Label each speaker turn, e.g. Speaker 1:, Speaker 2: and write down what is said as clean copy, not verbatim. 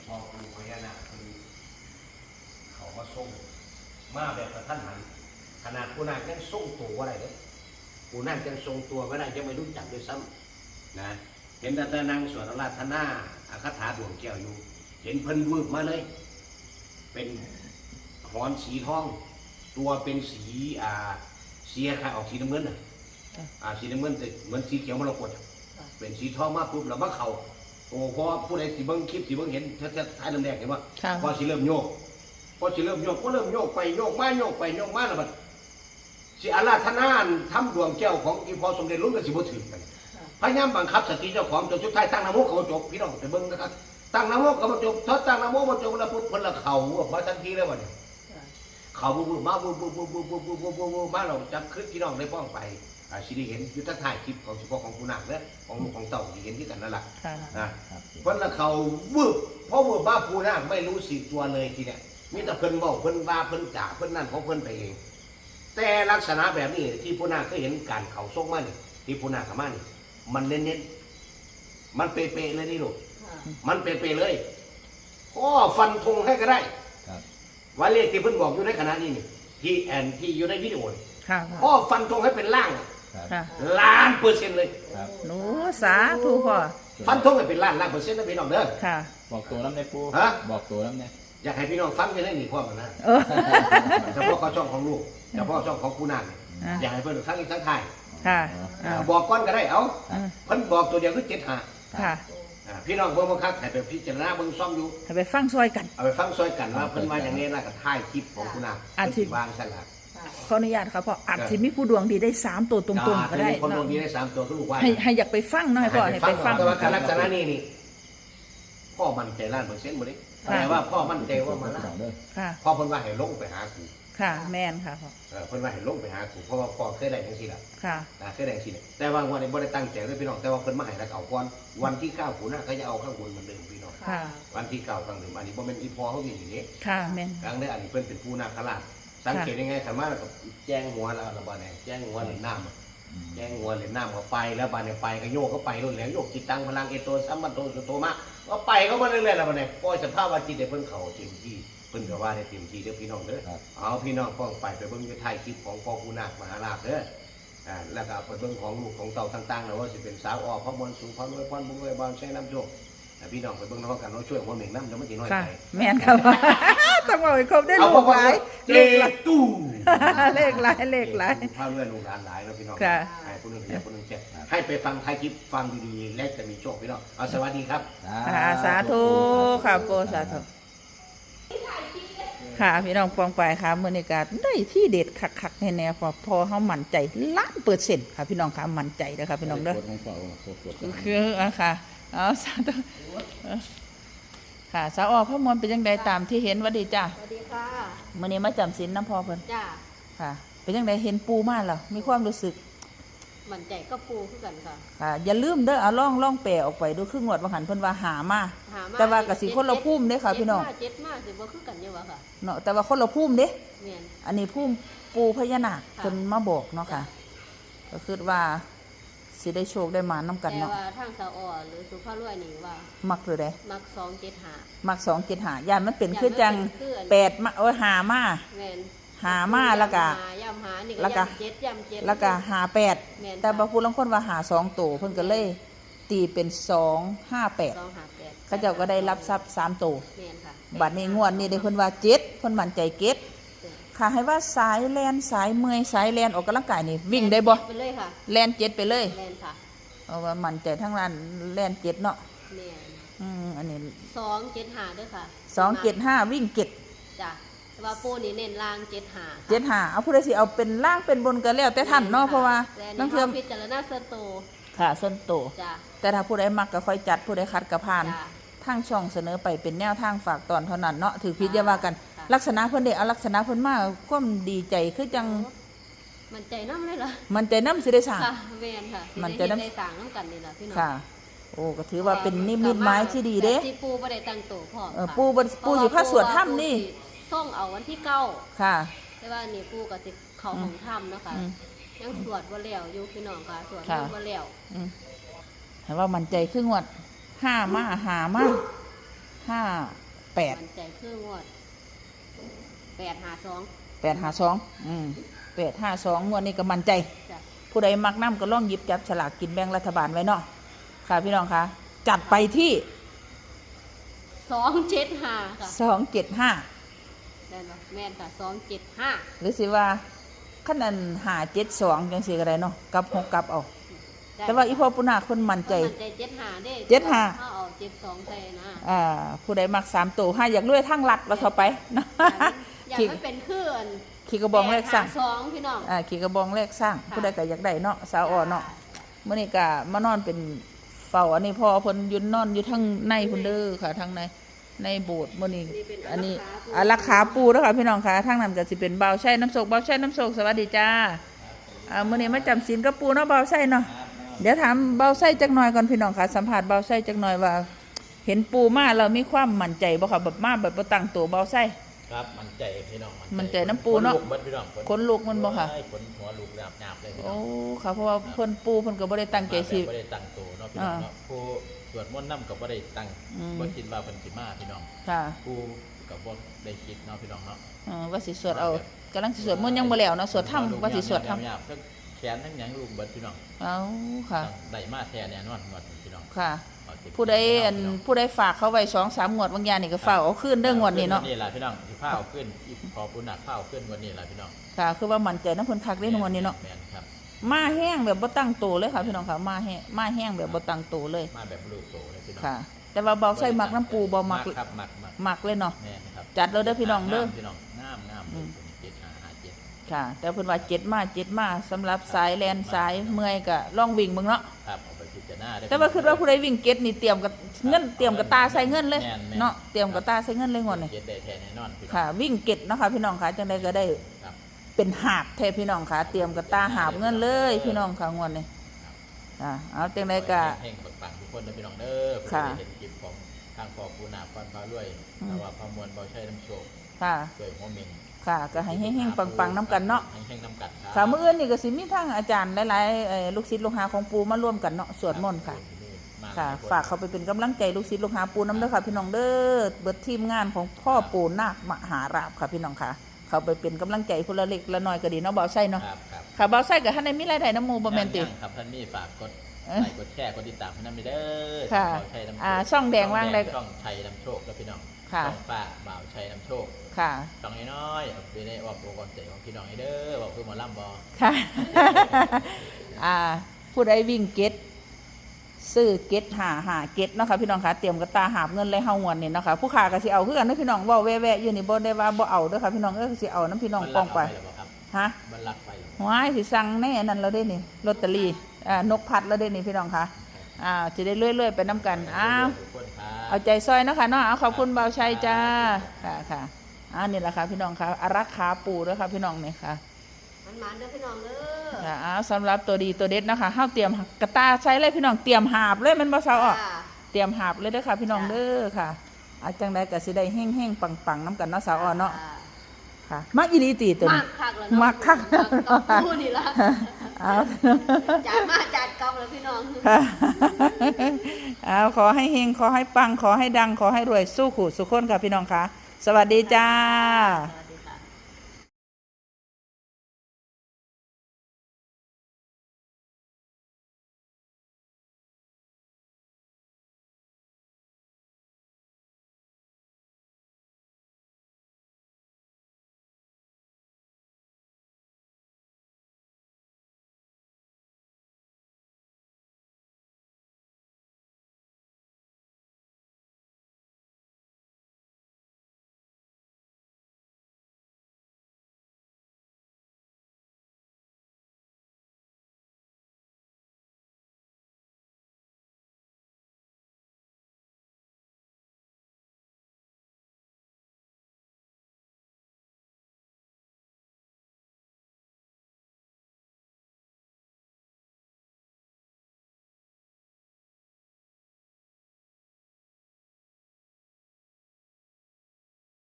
Speaker 1: พ่อปู่พญานาคคือเขามาส่งมาแบบกระทันหันขนาดปู่นาคยังส่งตัวอะไรเลยปู่นาคยังทรงตัวไม่ได้ยังไม่รู้จักด้วยซ้ำนะเห็นแต่นางสวดอาราธนาอาคาถาดวงแก้วอยู่เห็นเพิ่นวืบมาเลยเป็นหอนสีทองตัวเป็นสีเสียค่ะออกสีน้ำเงินสีน้ำเงินแต่เหมือนสีเขียวมรกตเป็นสีทองมาปุ๊บแล้วมาเข่าโอ้พอผู้ใดสีเบิ้งคลิปสีเบิ้งเห็นท้ายลำแดงเห็นว่าพอสีเริ่มโยกพอสีเริ่มโยกก็เริ่มโยกไปโยกมาโยกไปโยกมาแล้วมันสีอาราธนาทำดวงแก้วของอีพอสมเด็จรุ่นกับสีบุตรถึงกันพยายามบังคับสติเจ้าของจนสุดท้ายตั้งนโมเขาจบพี่น้องไปเบิ้งนะครับตั้งนโมเขาจบถ้าตั้งนโมมาจบแล้วพุทธพลเข่ามาทันทีแล้ววันนี้เขาบูมาบูมาเราจับขึ้นพี่น้องได้ป้องไปสิได้เห็นยุทธถ่ายคลิปของเฉพาะของผู้นักเนี่ยของลูกของเต่าที่เห็นที่กันนั่นแหละนะเพราะละเขาวืบเพราะว่าบ้าผู้นักไม่รู้สิตัวเลยทีเนี้ยมีแต่เพิ่นบอกเพิ่นว่าเพิ่นจ่าเพิ่นนั่นของเพิ่นไปเองแต่ลักษณะแบบนี้ที่ผู้นักก็เห็นการเขาส่งมานี่ที่ผู้นักขมานี่มันเน้นๆมันเป๊ะๆเลยนี่ลูกมันเป๊ะๆเลยข้อฟันธงให้ก็ได้ว่าเลขที่เพิ่นบอกอยู่ในขณะนี้นี่ที่อยู่ในวิดีโอข้อฟันธงให้เป็นล่าง1,000,000%เลย
Speaker 2: หนูสาธุพ่อ
Speaker 1: ฟันธงให้เป็นล้านเปอร์เซ็นต์นะพี่น้องเด้อ
Speaker 3: บอกตัวน้ำในปูบอกตัวน้ำเนี่ย
Speaker 1: อยากให้พี่น้องฟังกันได้หนีความกันนะเฉพาะเขาช่องของลูกเฉพาะช่องของผู้นานอยากให้เพื่อนฟังอีกสักท่ายบอกก้อนก็ได้เอาเพิ่นบอกตัวเดียวคือ75พี่น้องเบิ่งบังคับให้ไปพิจารณาเบิ่งซ่อมอยู่
Speaker 2: ให้ไปฟังซอยกัน
Speaker 1: เอาไปฟังซอยกันว่าเพิ่นว่าอย่างนี้แล้วก็ถ่ายคลิปของผู้นานบางฉลาด
Speaker 2: ขออนุญาตครับพ่ออาจจะมีผู้ดวงดีได้3ตัวตรงๆก็ได้
Speaker 1: คนดวงดีได้3ตัวก็ลูกว่า
Speaker 2: ให้อยากไปฟังหน่อยพ่อให้ไปฟัง
Speaker 1: แต่ว่าการลักษณะนี้นี่พ่อมั่นใจ1,000,000%บ่ได้แต่ว่าพ่อมั่นใจว่ามันพ่อเพิ่นว่าให้ลงไปหาครู
Speaker 2: ค่ะแม่นค่ะพ่อ
Speaker 1: เพิ่นว่าให้ลงไปหาครูเพราะว่าพ่อเคยได้จังซี่ล่ะ
Speaker 2: ค่ะ
Speaker 1: เคยได้จังซี่แต่ว่าวันนี้บ่ได้ตั้งใจเลยพี่น้องแต่ว่าเพิ่นมาให้แล้วเอาก่อนวันที่9ปู่น่ะเขาจะเอาข้างบนเหมือนเดิมพี่น้องวันที่9ข้างเดิมอันนี้บ่แม่นอีพ่อเขาอย่างนี้
Speaker 2: ค่ะแม่น
Speaker 1: ครั้งนี้อันนี้เพิ่นเป็นปู่นาคราชสังเกตยังไงคันมาแล้วก็แจ้งหัวแล้วบ่ได้แจ้งหัวเล่นน้ำแจ้งหัวเล่นน้ำก็ไปแล้วบัดนี้ไปก็โยกก็ไปรุ่นแล้วโยกจิตตังพลังเอโตสัมมันโตสุโตมะก็ไปก็มาเรื่อยๆแล้วบัดนี้ปล่อยสภาพว่าจิตได้เพิ่นเข้าเต็มที่เพิ่นก็ว่าได้เต็มที่เด้อพี่น้องเด้อเอาพี่น้องฟ้องไปเบิ่งอยู่ท้ายคลิปของพ่อปู่นาคมหาราชเด้อแล้วก็ไปเบิ่งของลูกของเต่าต่างๆแล้วว่าสิเป็นสาวอ้อพระมวลสูงพระรวยพรบุญรวยบานใช้น้ำโชคพี่น้องไปเบิ่งน้องกันเราช่วยหัวเหม่งน้ำจะไม่ตีน้อยใจ
Speaker 2: แม่นครับต้องบอกให้ครบได้ลูกหลาย
Speaker 1: ตู้
Speaker 2: เลขหลาย
Speaker 1: พาเรื่องลูกหลานหลายแล้วพี่น้องให้คนนึงคนนึงแจ้ให้ไปฟังท้ายคลิปฟังดีๆและจะมีโชคพี่น้องเอาสวัสดีครับ
Speaker 2: สาธุค่ะโกสาธุค่ะพี่น้องฟังไปค่ะมื้อนี้ก็ได้ที่เด็ดคักๆแน่ๆพอเฮามั่นใจ1,000,000%ค่ะพี่น้องค่ะมั่นใจเด้อค่ะพี่น้องเด้อคือค่ะเอาสาธุค่ะสาวอ้อพระมวลเป็นยังไงตามที่เห็นวัดดีจ้า
Speaker 4: สวัสดีค่ะ
Speaker 2: มื้อนี้มาจำศีลน้ำพอเพิ่น
Speaker 4: จ้า
Speaker 2: ค่ะเป็นยังไงเห็นปูมาแล้วมีความรู้สึก
Speaker 4: มั่นใจก็ปูคือกันค่ะ
Speaker 2: ค่ะอย่าลืมเด้อเอาล่องแปลออกไปดูคืองวดว่าหันเพิ่นว่าหามาแต่ว่าก็สิคนละภูมิเด้ค่ะพี่น้อง
Speaker 4: 7มาสิบ่คือกันอยู่ว่าค่ะ
Speaker 2: เนาะแต่ว่าคนละภูมิเด้
Speaker 4: แม่น
Speaker 2: อันนี้ภูมิปูพญานาคเพิ่นมาบอกเนาะค่ะก็คือว่าสิได้โชคได้มานํกันเนาะ
Speaker 4: แต่ว่าทางสาวอ้อหรือสุภาพรวยนี่ว่า
Speaker 2: มักหรือใด
Speaker 4: มัก275
Speaker 2: มัก275ย่านมันเป็นคือจัง8มาหามา
Speaker 4: แม่น
Speaker 2: หามาแล้วก็
Speaker 4: ย่ำหานี่ก็ย่ำ7
Speaker 2: แล้วก็58แต่บางผู้ลางคนว่าหา2ตัวเพิ่นก็เลยตีเป็น258เขาเจ้าก็ได้รับทรัพย์3ตัว
Speaker 4: แม่นค่ะ
Speaker 2: บัดนี้งวดนี้ได้เพิ่นว่า7เพิ่นมั่นใจ7ค่ะให้ว่าสายแลนสายเมื่อยสายแลนออกกำลังกายนี่วิ่งได้บ่
Speaker 4: ไปเลยค่ะ
Speaker 2: แลน7ไปเลย
Speaker 4: แลนค่ะ
Speaker 2: เอาว่ามั่นใจทั้งร้านแลน7เนาะ
Speaker 4: แม่น
Speaker 2: อันนี้
Speaker 4: 275ด้วยค่ะ
Speaker 2: 275วิ่ง7
Speaker 4: จ้ะว่าปูนี่เน้นล่าง
Speaker 2: 75เอาผู้ใดสิเอาเป็นล่างเป็นบนก็แล้วแต่ท่านเนาะเพราะว่า
Speaker 4: บางเทื่อพิจารณาส่วนโต
Speaker 2: ค่ะส่วนโตแต่ถ้าผู้ใดมักก็ค่อยจัดผู้ใดคัดก็ผ่านทางช่องเสนอไปเป็นแนวทางฝากตอนเท่านั้นเนาะถือพิจารณากันลักษณะเพิ่นได้เอาลักษณะเพิ่นมาความดีใจคือจัง
Speaker 4: มันใจน้ำเลยเหรอ
Speaker 2: มันใจน้ำสิได้สั่ง
Speaker 4: แม่นค่ะ
Speaker 2: มันใจน้ำ
Speaker 4: ได้สั่งน้ำกันนี่ล่ะพี่น้อง
Speaker 2: ค่ะโอ้ก็ถือว่าเป็นนิมิตหมายที่ดีเด้
Speaker 4: ที่ปูบ่ได้ตั้งโตพร้อม
Speaker 2: ปูสิพาสวดถ้ำนี่
Speaker 4: ส่งเอาวันที่9
Speaker 2: ค่ะ
Speaker 4: แต่ว่านี่ปูก็สิเข้าของถ้ำเนาะค่ะยังสวดบ่แล้วอยู่พี่น้องค่ะสวดบ่แล้ว
Speaker 2: ให้ว่ามันใจครึ่งวัด5มา5มา 58
Speaker 4: มันใจคืองวด852
Speaker 2: 852งวดนี้ก็มั่นใจ
Speaker 4: จ้ะ
Speaker 2: ผู้ใดมักน้ำก็ลองหยิบจับฉลากกินแบ่งรัฐบาลไว้เนาะค่ะพี่น้องคะจัดไปที่
Speaker 4: 275ค่ะ
Speaker 2: 275
Speaker 4: ได้บ่แม่นค่ะ275
Speaker 2: หรือสิว่าขนาด572จังซี่ก็ได้เนาะกับ6กับเอาแต่ว่าอีพ่อปุณาคนมั่นใจ
Speaker 4: มันใจ75เด้
Speaker 2: 75
Speaker 4: ถ้าเอา72ใส่นะ
Speaker 2: ผู้ใดมัก3ตัว5อยากรวยทั้งรัดว่าเข้าไปนะ
Speaker 4: อยากให้เป็นคืออัน
Speaker 2: ขี่กระบองเลขสร้าง
Speaker 4: 2พี่น้อง
Speaker 2: ขี่กระบองเลขสร้างผู้ใดก็อยากได้เนาะสาวอ่อนเนาะมื้อนี้ก็มานอนเป็นเฝ้าอันนี้พ่อเพิ่นยืนนอนอยู่ทางในพุ่นเด้อค่ะทางในโบสถ์มื้อนี้อันนี้อารักขาปูเด้อค่ะพี่น้องค่ะทางนั้นก็สิเป็นเบาใช้น้ำโศกเบาใช้น้ำโศกสวัสดีจ้ามื้อนี้มาจำศีลกับปูเนาะเบาใช้เนาะเดี๋ยวถามเบาใช้จักหน่อยก่อนพี่น้องค่ะสัมภาษณ์เบาใช้จักหน่อยว่า เห็นปูมาเรามีความมั่นใจบ่ค่ะแบบมาแบบบ่ตั้งตัวเบาใช้
Speaker 3: ครับมันใจพี่น้อง
Speaker 2: มันใจน้ำปูเนาะ
Speaker 3: ขลุกบิดพี่น้อง
Speaker 2: ขนลุกมันบ่ค่ะ
Speaker 3: ขนหัวลุกหยาบๆเลยพี่น้
Speaker 2: โอ้
Speaker 3: อง
Speaker 2: ค่ะเพราะว่าเพิ่นปูเพิ่นก็บ่ได้ตั้งใจสิ
Speaker 3: บ่ได้ตั้งตัวเนาะพี่น้องเนาะผู้สวดมนต์นำก็บ่ได้ตั้ง
Speaker 2: อืม
Speaker 3: บ่คิดว่าเพิ่นสิมาพี่น้อง
Speaker 2: ค่ะ
Speaker 3: ผู้ก็บ่ได้คิดเนาะพี่น้องเนาะ
Speaker 2: ว่าสิสวดเอากำลังสิสวดมนต์ยังบ่แล้วเนาะสวดธรรมว่าสิสวดธรรม
Speaker 3: หยาบๆทั้งแขนทั้งหยังลุกเบิดพี่น้อง
Speaker 2: เอาค่ะ
Speaker 3: ได้มาแท้แน่นอนงวดนี้พี่น้อง
Speaker 2: ค่ะ
Speaker 3: เอาเต็ม
Speaker 2: ผู้ใดผู้ใดฝากเขาไว้2-3งวดบางอย่างนี่ก็ฝากเอาคืนเด้องวดนี้เนาะ
Speaker 3: นี่ล่ะพี่น้องสิพาเอาขึ้นอีกพอผู้หนักพาเอาขึ้นวันนี้ล่ะพี่น้อง
Speaker 2: ค่ะ คือว่ามั่นใจนำเพิ่นคักเด้งวดนี้เนาะ
Speaker 3: แม่นครับ
Speaker 2: มาแห้งแบบบ่ตั้งตัวเลยค่ะพี่น้องค่ะมาแห้งแบบบ่ตั้งตัวเลย
Speaker 3: มาแบบลูกโตเลยพี่น้อง
Speaker 2: ค่ะ แต่ว่าเบาใส่มักน้ำปูบ่มัก
Speaker 3: ครับมัก
Speaker 2: มักเลยเนาะ
Speaker 3: แม่นครับ
Speaker 2: จัดเลยเด้อพี่น้องเด้อ
Speaker 3: พี่น้องงามเลย7-5-5-7
Speaker 2: ค่ะ แต่เพิ่นว่า7มาสำหรับสายแลนสายเมื่อยก็ลองวิ่งเบิ่งเนาะ
Speaker 3: ครับเอาไปพิจารณาได้
Speaker 2: แต่ว่าคิดว่าผู้ใดวิ่งเก็ตนี่เตรียมกับเงินเตรียมกับตาใส่เงินเลย
Speaker 3: แม่น
Speaker 2: เนาะเตรียมกับตาใส่เงินเลยงวดนี้
Speaker 3: เจ็ดได้แท้แน่นอนพี่น้อง
Speaker 2: ค่ะ วิ่งเก็ตเนาะค่ะพี่น้องค่ะจังไดก็ได้
Speaker 3: ครับ
Speaker 2: เป็นหาบแท้พี่น้องค่ะเตรียมกับตาหาบเงินเลยพี่น้องค่ะงวดนี้เอาจังไดก็
Speaker 3: แห่งปังๆทุกคนนะพี่น้องเด้อ
Speaker 2: ค่ะ
Speaker 3: เห็นคลิปของทางพ่อปูนาฟันฟ้ารวยแต่ว่าพามวลเบาใช้น้ำโชค
Speaker 2: ค่ะ
Speaker 3: ด้วยหัวเมง
Speaker 2: ค่ะก็ให้แห้งๆปังๆน้ำกันเนาะ
Speaker 3: แห้งๆน้ำกันครับ
Speaker 2: ค่ะมื้ออื่นนี่ก็สิมีทั้งอาจารย์หลายๆลูกศิษย์ลูกหาของปูมาร่วมกันเนาะสวดมนต์ค่ะ
Speaker 3: มา
Speaker 2: ค่ะ
Speaker 3: หลยน
Speaker 2: ฝากเขาไปเป็นกำลังใจลูกศิษย์ลูกหาปูน้ำเด้อค่ะพี่น้องเด้อเบิดทีมงานของพ่อปู่นาคมหาราบค่ะพี่น้องค่ะ เขาไปเป็นกำลังใจคนละเล็กละน้อยก็ดีเนาะเบาไส้เนาะ
Speaker 3: ครับครับ
Speaker 2: ค่ะเบาไส้กับท่านในมีรายได้น้ำหมูบ่แม่นติ
Speaker 3: ยังครับท่านนี่ฝากกดไลค์กดแชร์กดติดตามให้น้ำไปเด้อ
Speaker 2: ค่ะ
Speaker 3: บ่าวชัยน้ำโชค
Speaker 2: ช่องแดงว่างได้
Speaker 3: ช่องชัยน้ำโชคแล้วพี่น้อง
Speaker 2: ค่ะ
Speaker 3: ช่องป้าบ่าวชัยน้ำโชค
Speaker 2: ค่ะ
Speaker 3: ช่องน้อยๆเอาไปได้ออกโปรกอนใจของพี่น้องให้เด้อบอกเพื่อหมาล่ำบอ
Speaker 2: ค่ะ ผู้ใดวิ่งเก็ตซื้อเก็ตหาเก็ตเนาะค่ะพี่น้องค่ะเตรียมกระตาหาบเงินเลยเฮางวนนี่เนาะค่ะผู้ค้าก็สิเอาคือกันเด้อพี่น้องเว้าแว่ๆอยู่นี่บ่ได้ว่าบ่เอาเด้อค่ะพี่น้องสิเอาน้ำพี่น้องป้องไป
Speaker 3: มันรักเอาไปหรอครับ
Speaker 2: ฮะ
Speaker 3: มันรักไปหรอ
Speaker 2: ว้ายสิสั่งแน่นั่นแล้วเด้นี่ลอตเตอรี่นกพัดแล้วเด้นี่พี่น้องค่ะจะได้เรื่อยๆไปน้ำกัน
Speaker 3: ทุกคนครับ
Speaker 2: เอาใจซอยเนาะค่ะเนาะเอาขอบคุณเบาชัยจ้าค่ะนี่แหละค่ะพี่น้องค่ะอารักขาปูด้วยค่ะพี่น้องนี่ค่ะ
Speaker 4: มันเด้อพี่น้องเด้อ
Speaker 2: ค่ะสำหรับตัวดีตัวเด็ดนะคะเฮาเตรียมกระตาใช้เลยพี่น้องเตรียมหาบเลยแมันบ่เซาออก
Speaker 4: ค่ะ
Speaker 2: เตรียมหาบเลยเด้อค่ะพี่น้องเด้อค่ะอาจังใดก็สิได้แห้งๆปังๆน้ำกันเนาะสาวอ่อนเนาะค่ะมักอีหลีตีตัว
Speaker 4: มา
Speaker 2: นี้
Speaker 4: กคักแล้วเนาะ
Speaker 2: มักคัก
Speaker 4: กับผู้นี่ละ
Speaker 2: เอา
Speaker 4: จัดมาจัดกองแล้วพี่น้อง
Speaker 2: ค่ะเอาขอให้เฮงขอให้ปังขอให้ดังขอให้รวยสู้ขู่สุขคนค่ะพี่น้องค่ะสวัสดีจ้า
Speaker 4: สวัสดี